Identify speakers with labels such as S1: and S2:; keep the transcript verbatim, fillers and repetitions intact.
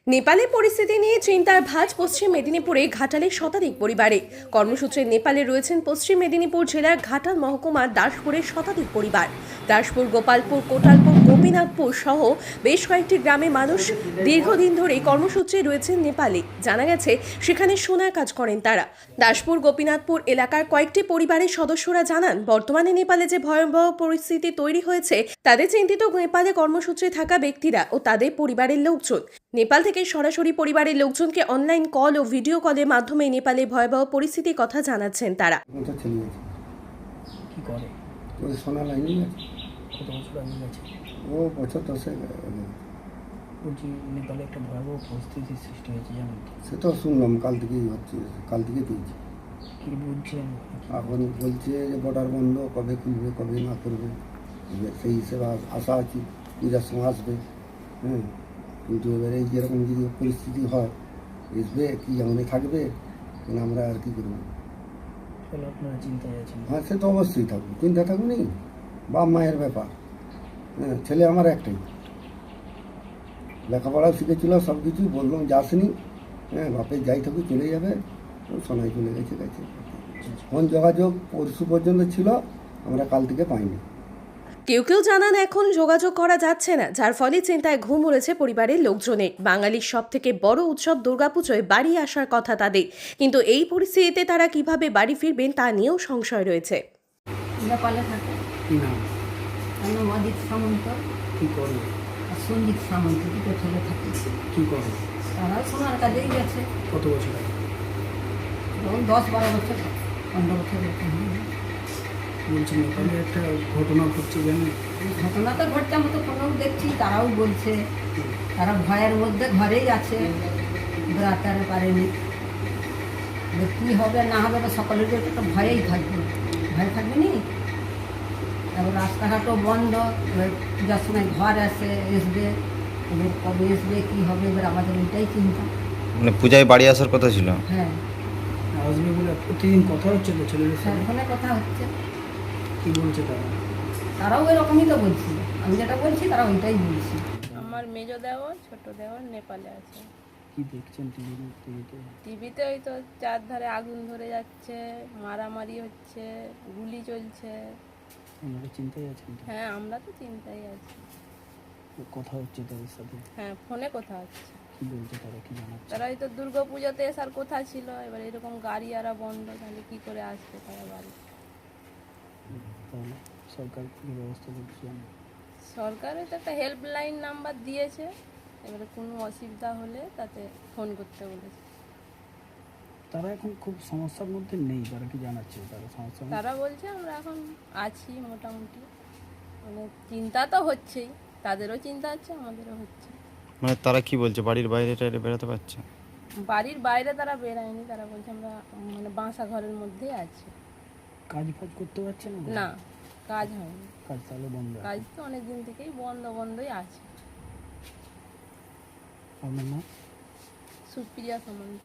S1: নেপালে পরিস্থিতি নিয়ে চিন্তার ভাঁজ পশ্চিম মেদিনীপুরে ঘাটালের শতাধিক পরিবারে। কর্মসূত্রে নেপালে রয়েছেন পশ্চিম মেদিনীপুর জেলার ঘাটাল মহকুমার দাসপুরের শতাধিক পরিবার। দাসপুর, গোপালপুর, কোটালপুর, গোপীনাথপুর সহ বেশ কয়েকটি গ্রামে মানুষ দীর্ঘদিন ধরে কর্মসূত্রে রয়েছেন নেপালে। জানা গেছে সেখানে সোনার কাজ করেন তারা। দাসপুর, গোপীনাথপুর এলাকার কয়েকটি পরিবারের সদস্যরা জানান, বর্তমানে নেপালে যে ভয়াবহ পরিস্থিতি তৈরি হয়েছে তাদের চিন্তিত নেপালে কর্মসূত্রে থাকা ব্যক্তিরা ও তাদের পরিবারের লোকজন। নেপাল থেকে সরাসরি পরিবারের লোকজনকে অনলাইন কল ও ভিডিও কলের মাধ্যমে নেপালে ভয়াবহ পরিস্থিতির কথা জানাচ্ছেন তারা।
S2: কি করে?
S3: ওই সোনা লাইনই আছে।
S2: কত বছর আগে গেছে?
S3: ও বছর দশেক আগে।
S2: বলছি নেপালে একটা ভয়াবহ পরিস্থিতির সৃষ্টি হয়েছে, জানেন তো?
S3: সে তো শুনলাম, কাল থেকেই হচ্ছে, কাল থেকে পেয়েছি।
S2: কি বলছেন?
S3: এখন বলছে যে বর্ডার বন্ধ, কবে খুলবে কবে না করবে, সেই হিসেবে আশা আছি পূজার সময় আসবে। হ্যাঁ, কিন্তু এবারে যেরকম যদি পরিস্থিতি হয়, আসবে কি এমনই থাকবে, কিন্তু আমরা আর কি করবো।
S2: তাহলে আপনারা চিন্তায় আছেন?
S3: হ্যাঁ, সে তো অবশ্যই থাকবো, চিন্তা থাকবো নি, বাপ মায়ের ব্যাপার। হ্যাঁ, ছেলে আমার একটাই, লেখাপড়াও শিখেছিল, সব কিছুই বললাম যাসনি। হ্যাঁ, বাপের যাই থাকুক চলে যাবে, সোনাই চলে গেছে গেছে ফোন যোগাযোগ পরশু পর্যন্ত ছিল, আমরা কাল থেকে পাইনি।
S1: কেউ কেউ জানান এখন যোগাযোগ করা যাচ্ছে না, যার ফলে চিন্তায় ঘুম উড়েছে পরিবারের লোকজনের। বাঙালির সব থেকে বড় উৎসব দুর্গাপুজোয় বাড়ি আসার কথা তাদের, কিন্তু এই পরিস্থিতিতে তারা কিভাবে বাড়ি ফিরবেন তা নিয়েও সংশয় রয়েছে।
S4: নেপালে থাকে।
S2: কি নাম?
S4: তার নাম অজিত সামন্ত
S2: কি করে?
S4: আর সঞ্জিত সামন্ত, দুটো ছেলে থাকে।
S2: কি করে?
S4: তারাও সোনার কাজেই গেছে।
S2: কত বছর আগে?
S4: ধরুন দশ বারো বছর, পনেরো বছর এরকম হবে।
S2: বলছি নেপালে একটা ঘটনা ঘটছে, জানেন?
S4: ঘটনা তো ঘটছে, আমরা তো ফোনেও দেখছি, তারাও বলছে তারা ভয়ের মধ্যে ঘরেই আছে, বেড়াতে আর পারেনি। এবার কী হবে না হবে, বা সকলের তো একটা ভয়েই থাকবে, ভয় থাকবে নি। এবার রাস্তাঘাটও বন্ধ, এবার পূজার সময় ঘর আসে আসবে, এবার কবে আসবে কী হবে, এবার আমাদের এটাই চিন্তা।
S5: মানে পূজায় বাড়ি আসার কথা ছিল।
S4: হ্যাঁ,
S2: আসবে বলে প্রতিদিন কথা হচ্ছে তো ছেলেদের
S4: স্যার
S2: সাথে?
S4: ফোনে কথা হচ্ছে,
S2: কি বলছে তারা?
S4: তারাও এরকমই তো বলছি, আমি যেটা বলছি তারা ওইটাই বলছি।
S6: আমার মেজো দেওয়ার ছোট দেওয়ার নেপালে আছে।
S2: কি দেখছেন টিভিতে? টিভিতে
S6: টিভিতে ওই তো চারধারে আগুন ধরে যাচ্ছে, মারামারি হচ্ছে, গুলি চলছে।
S2: আপনারা চিন্তায় আছেন তো?
S6: হ্যাঁ, আমরা তো চিন্তায় আছি।
S2: কথা হচ্ছে তাদের সাথে?
S6: হ্যাঁ, ফোনে কথা হচ্ছে।
S2: কি বলছে তারা, কি জানাচ্ছে?
S6: তারা এই তো দুর্গা পুজোতে আসার কথা ছিল, এবার এরকম গাড়ি আরা বন্ধ, তাহলে কি করে আসবে তারা বাড়ি?
S2: তাহলে সরকার কি ব্যবস্থা করছে জানেন?
S6: সরকারে তো একটা হেল্পলাইন নাম্বার দিয়েছে, এবারে কোনো অসুবিধা হলে তাতে ফোন করতে বলেছে।
S2: তারা এখন খুব সমস্যার মধ্যে নেই, তারা কি জানাচ্ছে তারা সমস্যা?
S6: তারা বলছে আমরা এখন আছি মোটামুটি, মানে চিন্তা তো হচ্ছেই, তাদেরও চিন্তা হচ্ছে, আমাদেরও হচ্ছে।
S5: মানে তারা কি বলছে, বাড়ির বাইরে টাইরে বেরোতে পারছে?
S6: বাড়ির বাইরে তারা বেরায়নি, তারা বলছে আমরা মানে বাসা ঘরের মধ্যেই আছি।
S2: কাজ ফাজ করতে পারছে না?
S6: না, কাজ হয়নি,
S2: কাজ তাহলে বন্ধ।
S6: কাজ তো অনেক দিন থেকেই বন্ধ বন্ধই আছে।
S2: আপনার নাম?
S6: সুপ্রিয়া সামন্ত।